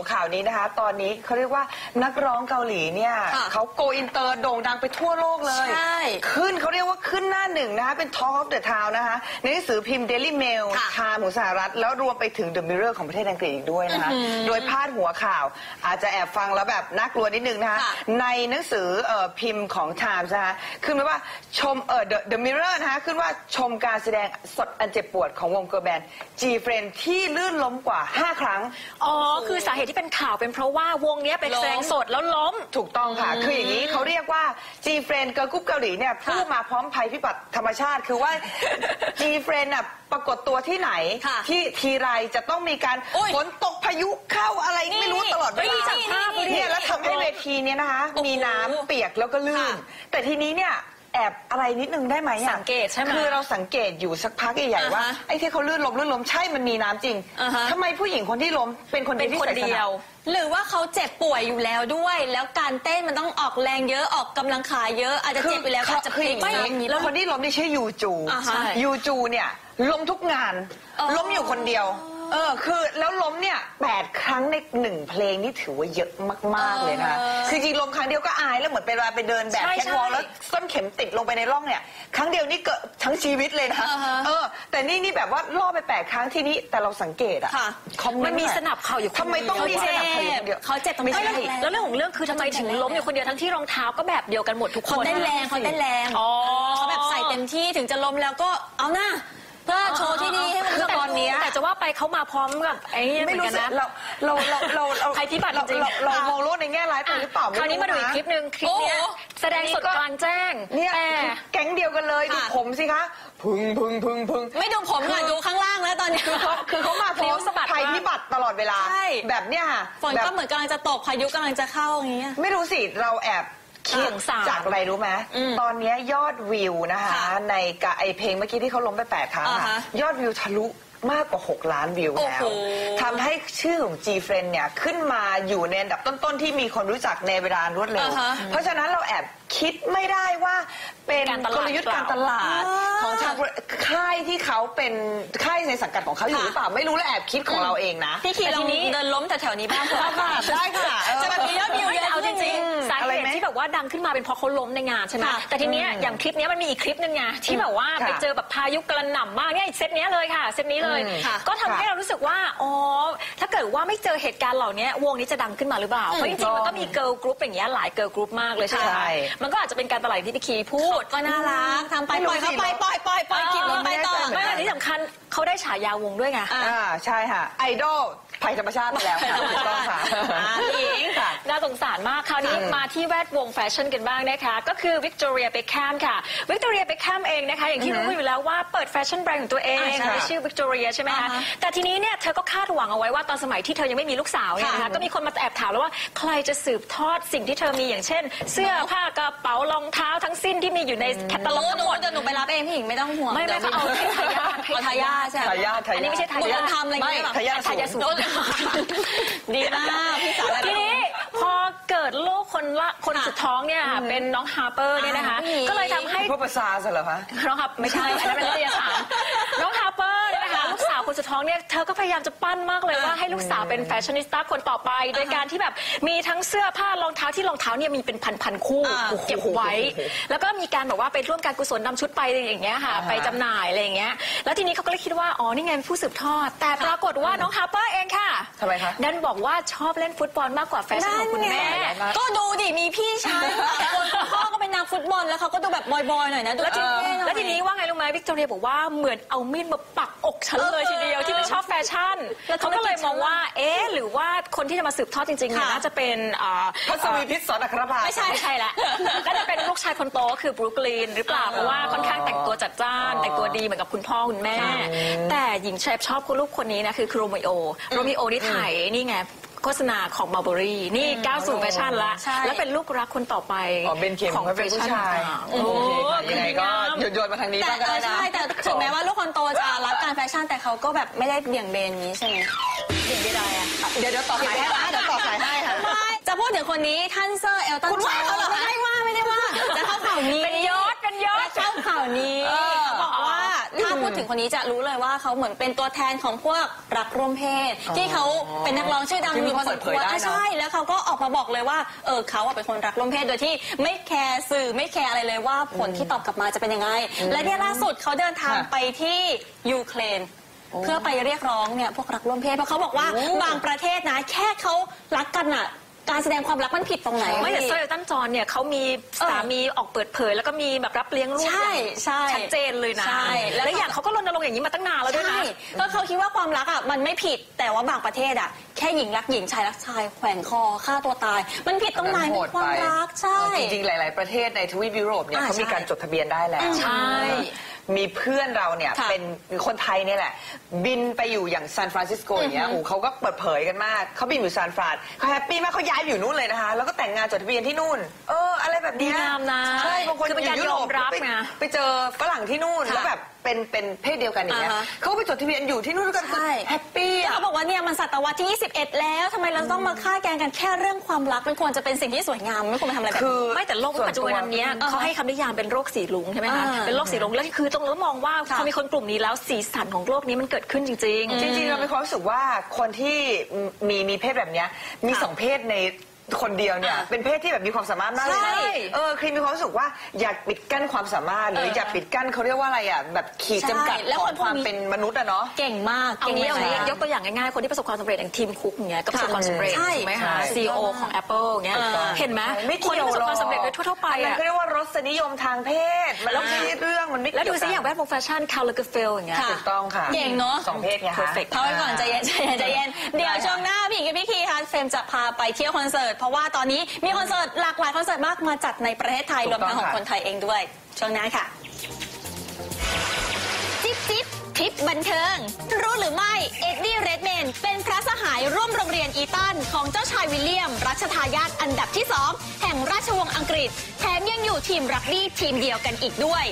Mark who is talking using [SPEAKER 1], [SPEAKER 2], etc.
[SPEAKER 1] ข่าวนี้นะคะตอนนี้เขาเรียกว่านักร้องเกาหลีเนี่ยเขาโกอินเตอร์โด่งดังไปทั่วโลกเลย
[SPEAKER 2] ใช่
[SPEAKER 1] ขึ้นเขาเรียกว่าขึ้นหน้าหนึ่งนะคะเป็น Talk of the Town นะคะในหนังสือพิมพ์ Daily Mail ไทม์ของสหรัฐแล้วรวมไปถึง The Mirror ของประเทศอังกฤษอีกด้วยนะคะโดยพาดหัวข่าวอาจจะแอบฟังแล้วแบบน่ากลัวนิดนึงนะคะในหนังสือพิมพ์ของ Times นะคะขึ้นว่าชมThe Mirror นะคะขึ้นว่าชมการแสดงสดอันเจ็บปวดของวงเกิร์ลแบนด์ G-Friend ที่ลื่นล้มกว่า5 ครั้ง
[SPEAKER 3] อ๋อคือสาเหตุที่เป็นข่าวเป็นเพราะว่าวงนี้ไปแสดงสดแล้วล้ม
[SPEAKER 1] ถูกต้องค่ะคืออย่างนี้เขาเรียกว่า G-Friend เกิร์ลกรุ๊ปเกาหลีเนี่ยพูดมาพร้อมภัยพิบัติธรรมชาติคือว่า G-Friend น่ะปรากฏตัวที่ไหนที่ทีไรจะต้องมีการฝนตกพายุเข้าอะไรไม่รู้ตลอดเวลาเนี่ยแล้วทำให้เวทีเนี่ยนะคะมีน้ำเปียกแล้วก็ลื่นแต่ทีนี้เนี่ยแอบอะไรนิดนึงได้ไหม
[SPEAKER 3] สังเกตใช่ไหม
[SPEAKER 1] คือเราสังเกตอยู่สักพักใหญ่ๆว่าไอ้ที่เขาลื่นล้มใช่มันมีน้ำจริงทำไมผู้หญิงคนที่ล้มเป็นคนเดียว
[SPEAKER 2] หรือว่าเขาเจ็บป่วยอยู่แล้วด้วยแล้วการเต้นมันต้องออกแรงเยอะออกกำลังขาเยอะอาจจะเจ็บไปแล้วอาจจะพลิก
[SPEAKER 1] แล้วคนที่ล้มนี่ใช่ยูจูเนี่ยล้มทุกงานล้มอยู่คนเดียวคือแล้วล้มเนี่ย8 ครั้งใน1 เพลงนี่ถือว่าเยอะมากๆเลยนะคะคือจริงล้มครั้งเดียวก็อายแล้วเหมือนไปเดินแบบแคทวอล์กแล้วส้นเข็มติดลงไปในร่องเนี่ยครั้งเดียวนี่เกิดทั้งชีวิตเลยนะแต่นี่แบบว่าล่อไป8 ครั้งที่นี้แต่เราสังเกตอะ
[SPEAKER 3] มันมีสนับเข่าอยู่
[SPEAKER 1] ทำไมต้องมีสนับเข่าอยู่คนเดียว
[SPEAKER 2] เขาเจ็บตรง
[SPEAKER 3] นี้แล้วเรื่องของเรื่องคือทำไมถึงล้มอยู่คนเดียวทั้งที่รองเท้าก็แบบเดียวกันหมดทุกคน
[SPEAKER 2] เขาเต้นแรงเขาแบบใส่เต็มที่ถึงจะล้มแล้วก็เอาหน้าเพื่อโชว์ที่ดีให้มัน
[SPEAKER 3] ตอนนี้แต่จะว่าไปเขามาพร้อมกับไอ้ไม่รู้นะ
[SPEAKER 1] เรา
[SPEAKER 3] ภัยพิบัติจริง
[SPEAKER 1] เรามองโลกในแง่ร้ายไปหรือเปล่า
[SPEAKER 3] คราวนี้มาดูอีกคลิปนึงคลิปนี้แสดงสดกลางแจ้ง
[SPEAKER 1] เนี่ยแก๊งเดียวกันเลยดูผมสิคะพึ่ง
[SPEAKER 2] ไม่ดูผมค่ะดูข้างล่างแล้วตอนนี้
[SPEAKER 1] คือเขามาพร้อมภัยพิบัติตลอดเวลาแบบเนี้ยค่ะ
[SPEAKER 2] ฝนก็เหมือนกำลังจะตกพายุกำลังจะเข้าอย่างเงี้ย
[SPEAKER 1] ไม่รู้สิเราแอบคิดจากอะไรรู้ไหมตอนนี้ยอดวิวนะคะในไอเพลงเมื่อกี้ที่เขาล้มไป8 ครั้งยอดวิวทะลุมากกว่า6 ล้านวิวแล้วทำให้ชื่อของ G-Friend เนี่ยขึ้นมาอยู่ในอันดับต้นๆที่มีคนรู้จักในเวลารวดเร็วเพราะฉะนั้นเราแอบคิดไม่ได้ว่าเป็นกลยุทธ์การตลาดของทางค่ายที่เขาเป็นค่ายในสังกัดของเขาอยู่หรือเปล่าไม่รู้และแอบคิดของเราเองนะ
[SPEAKER 2] ที่ทีเราเดินล้มแถวๆนี้บ้าง
[SPEAKER 1] ได้ค่ะ
[SPEAKER 2] จะแบบมียอดวิวเยอะ
[SPEAKER 3] เอาจริงๆสาเหตุที่แบบว่าดังขึ้นมาเป็นเพราะเขาล้มในงานใช่ไหมแต่ทีเนี้ยอย่างคลิปนี้มันมีอีกคลิปนึงไงที่แบบว่าไปเจอแบบพายุกระหน่ำมากเนี่ยเซตนี้เลยค่ะเซตนี้เลยก็ทำให้เรารู้สึกว่าอ๋อถ้าเกิดว่าไม่เจอเหตุการณ์เหล่านี้วงนี้จะดังขึ้นมาหรือเปล่าเพราะจริงๆมันก็มีเกิร์ลกรุ๊ปอย่างเงี้ยหลายเกิร์ลกรุ๊ปมากเลยใช่ไหมมันก็อาจจะเป็นการตลาดที่พี่คีพูด
[SPEAKER 2] ก็น่ารักทำไปปล่อยเขาไปปล่อยคลิปนี้ไปต่อ
[SPEAKER 3] ไม่ที่สำคัญเขาได้ฉายาวงด้วยไง
[SPEAKER 1] ใช่ค่ะไอดอลภัยธรรมชาติไปแล้วค่ะถูกต้องค่ะ
[SPEAKER 3] หญิงน่าสงสารมากคราวนี้มาที่แวดวงแฟชั่นกันบ้างนะคะก็คือวิกตอเรียเบคแฮมค่ะวิกตอเรียเบคแฮมเองนะคะอย่างที่รู้อยู่แล้วว่าเปิดแฟชั่นแบรนด์ของตัวเองชื่อวิกตอเรียใช่ไหมคะแต่ทีนี้เนี่ยเธอก็คาดหวังเอาไว้ว่าตอนสมัยที่เธอยังไม่มีลูกสาวเนี่ยนะคะก็มีคนมาแอบถามแล้วว่าใครจะสืบทอดสิ่งที่เธอมีอย่างเช่นเสื้อผ้ากระเป๋ารองเท้าทั้งสิ้นที่มีอยู่ในแคตตาล็อกทั้งหมด
[SPEAKER 2] หนูไปรับเองพี่หญิงไม่ต้องห่วง
[SPEAKER 3] ไม่ก็เอาทายาทใช่อันนี้ไม่ใช่ทายาท
[SPEAKER 2] ทำอะไรไม่
[SPEAKER 1] ทายาท
[SPEAKER 3] สูง
[SPEAKER 2] ดีมากพี่สาว
[SPEAKER 3] ทีนี้พอเกิดลูกคนสุดท้องเนี่ยเป็นน้องฮาร์เปอร์เนี่ยนะคะก็เลยทำให้
[SPEAKER 1] พวกภาษาเหรอคะ
[SPEAKER 3] น้องครับไม่ใช่อันนั้นเป็นนิตยสารน้องฮาร์เปอร์เนี่ยนะคะลูกสาวคนสุดท้องเนี่ยเธอก็พยายามจะปั้นมากเลยว่าให้ลูกสาวเป็นแฟชั่นนิสต้าคนต่อไปโดยการที่แบบมีทั้งเสื้อผ้ารองเท้าที่รองเท้าเนี่ยมีเป็นพันคู่เก็บไว้แล้วก็มีการแบบว่าไปร่วมการกุศลนำชุดไปอย่างเงี้ยค่ะไปจำหน่ายอะไรอย่างเงี้ยแล้วทีนี้เขาก็เลยคิดว่าอ๋อนี่ไงผู้สืบทอดแต่ปรากฏว่าน้องฮาร์เปอร์เองค่ะ
[SPEAKER 1] ทำไมคะ
[SPEAKER 3] ดันบอกว่าชอบเล่นฟุตบอลมากกว่าแฟชั่นของคุณแม่
[SPEAKER 2] ก็ดูดิมีพี่ชายพ่อก็เป็นนักฟุตบอลแล้วเขาก็ดูแบบบอยๆหน่อยนะดู
[SPEAKER 3] แล้วทีนี้ว่าไงรู้ไหมวิกตอเรียบอกว่าเหมือนเอามีดมาปักอกฉันเลยทีเดียวที่ไม่ชอบแฟชั่นเขาก็เลยมองว่าหรือว่าคนที่จะมาสืบทอดจริงๆเนี่ยน่าจะเป็น
[SPEAKER 1] พัศวีพิษสอนอัครภา
[SPEAKER 3] ไม่ใช่ละก็จะเป็นลูกชายคนโตคือบรูคลีนหรือเปล่าเพราะว่าค่อนข้างแต่งตัวจัดจ้านแต่งตัวดีเหมือนกับคุณพ่อคุณแม่แต่หญิงชอบลูกคนนี้นะคือโรมิโอที่ถ่ายนี่ไงโฆษณาของมาร์บอรี่นี่ก้าวสู่แฟชั่นละแล้วเป็นลูกรักคนต่อไป
[SPEAKER 1] ของแฟชั่นยังไงก็โยนมาทางนี้บ้างก็ได้นะ
[SPEAKER 2] ใช่แต่ถึงแม้ว่าลูกคนโตจะรักการแฟชั่นแต่เขาก็แบบไม่ได้เบี่ยงเบนนี้ใช่ไหม
[SPEAKER 3] เบี่ยงไม่ได้อะ
[SPEAKER 1] เดี๋ยวต่อสายให้ค่ะ
[SPEAKER 2] จะพูดถึงคนนี้ท่านเซอร์เอลตันจอห์นไม่ได้ว่าจะเข้าข่าวนี้
[SPEAKER 3] เป็นยศ
[SPEAKER 2] เข้าข่าวนี้บอกว่าถ้าพูดดถึงคนนี้จะรู้เลยว่าเขาเหมือนเป็นตัวแทนของพวกรักร่วมเพศที่เขาเป็นนักร้องชื่อดังมีพอสมควรใช่แล้วเขาก็ออกมาบอกเลยว่าเขาเป็นคนรักร่วมเพศโดยที่ไม่แคร์สื่อไม่แคร์อะไรเลยว่าผลที่ตอบกลับมาจะเป็นยังไงและเนี่ยล่าสุดเขาเดินทางไปที่ยูเครนเพื่อไปเรียกร้องเนี่ยพวกรักร่วมเพศเพราะเขาบอกว่าบางประเทศนะแค่เขารักกันอ่ะการแสดงความรักมันผิดตรงไหน
[SPEAKER 3] ไม่แต่โซเอลตันจอนเนี่ยเขามีสามีออกเปิดเผยแล้วก็มีแบบรับเลี้ยงลูกชัดเจนเลยนะแล้วอย่างเขาก็รณรงค์อย่างนี้มาตั้งนานแล้วด้วยนะ
[SPEAKER 2] ก็เขาคิดว่าความรักอ่ะมันไม่ผิดแต่ว่าบางประเทศอ่ะแค่หญิงรักหญิงชายรักชายแขวนคอฆ่าตัวตายมันผิดตรงไหนเป็นความรักใช่
[SPEAKER 1] จริงๆหลายๆประเทศในทวีปยุโรปเนี่ยเขามีการจดทะเบียนได้แล้ว
[SPEAKER 3] ใช่
[SPEAKER 1] มีเพื่อนเราเนี่ยเป็นคนไทยเนี่ยแหละบินไปอยู่อย่างซานฟรานซิสโกอย่างเงี้ยเขาก็เปิดเผยกันมากเขาบินอยู่ซานฟรานเขาแฮปปี้มากเขาย้ายอยู่นู่นเลยนะคะแล้วก็แต่งงานจดทะเบียนที่นู่นอะไรแบบนี้
[SPEAKER 3] งามนะ
[SPEAKER 1] ใช่บางคน
[SPEAKER 3] เป็นการยอมรับไง
[SPEAKER 1] ไปเจอฝรั่งที่นู่นแล้วแบบเป็นเพศเดียวกันอย่างเงี้ยเขาไปจดทะเบียนอยู่ที่นู่นกันแฮปปี้
[SPEAKER 2] เขาบอกว่าเนี่ยมันศตวรรษที่21แล้วทำไมเราต้องมาฆ่าแกล้งกันแค่เรื่องความรักมันควรจะเป็นสิ่งที่สวยงามไม่ควรมาทำอะไรแบบนี้
[SPEAKER 3] ไม่แต่โลกปัจจุบันนี้เขาให้คำนิยามเป็นโรคสีรุ้งใช่ไหมคะเป็นโรคสีรุ้งแล้วคือต้องมองว่าพอมีคนกลุ่มนี้แล้วสีสันของโลกนี้มันเกิดขึ้นจริง
[SPEAKER 1] ๆจริงๆเรามีความรู้สึกว่าคนที่มีเพศแบบนี้มี2เพศในคนเดียวเนี่ยเป็นเพศที่แบบมีความสามารถมากเลยนะครีมมีความรู้สึกว่าอยากปิดกั้นความสามารถหรืออยากปิดกั้นเขาเรียกว่าอะไรอ่ะแบบขีดจำกัดของความเป็นมนุษย์อะเนาะ
[SPEAKER 2] เก่งมาก
[SPEAKER 3] เอางี้ยกตัวอย่างง่ายๆคนที่ประสบความสำเร็จอย่างทีมคุกอย่างเงี้ยก็ประสบความสำเร็จใช่ไหมคะ CEO ของ Apple เงี้ยเห็นไหมคนที่ประสบความสำเร็จโดยทั่วไป
[SPEAKER 1] อ่ะเขาเรียกว่ารสนิยมทางเพศมันไม่ใช่เรื่องมันไม่
[SPEAKER 3] แล้วดูซิอย่างแวดวงแฟชั่นคาร์ลเกอร์เฟลอย่างเงี้ย
[SPEAKER 1] ถูกต้องค่ะ
[SPEAKER 2] เก่งเนาะ
[SPEAKER 1] 2เพศไงคะ
[SPEAKER 2] เอาไว้ก่อนใจเย็นเดี๋ยวช่วงหน้าพี่กับพี่คีค่ะเฟรมจะพาไปเที่ยวคอนเสิร์ตเพราะว่าตอนนี้มีคอนเสิร์ตหลากหลายคอนเสิร์ตมากมาจัดในประเทศไทยรวมทั้งของคนไทยเองด้วยช่วงหน้าค่ะจิ๊บทิปบันเทิงรู้หรือไม่เอ็ดดี้เรดแมนเป็นพระสหายร่วมโรงเรียนอีตันของเจ้าชายวิลเลียมรัชทายาทอันดับที่2แห่งราชวงศ์อังกฤษแถมยังอยู่ทีมรักบี้ทีมเดียวกันอีกด้วย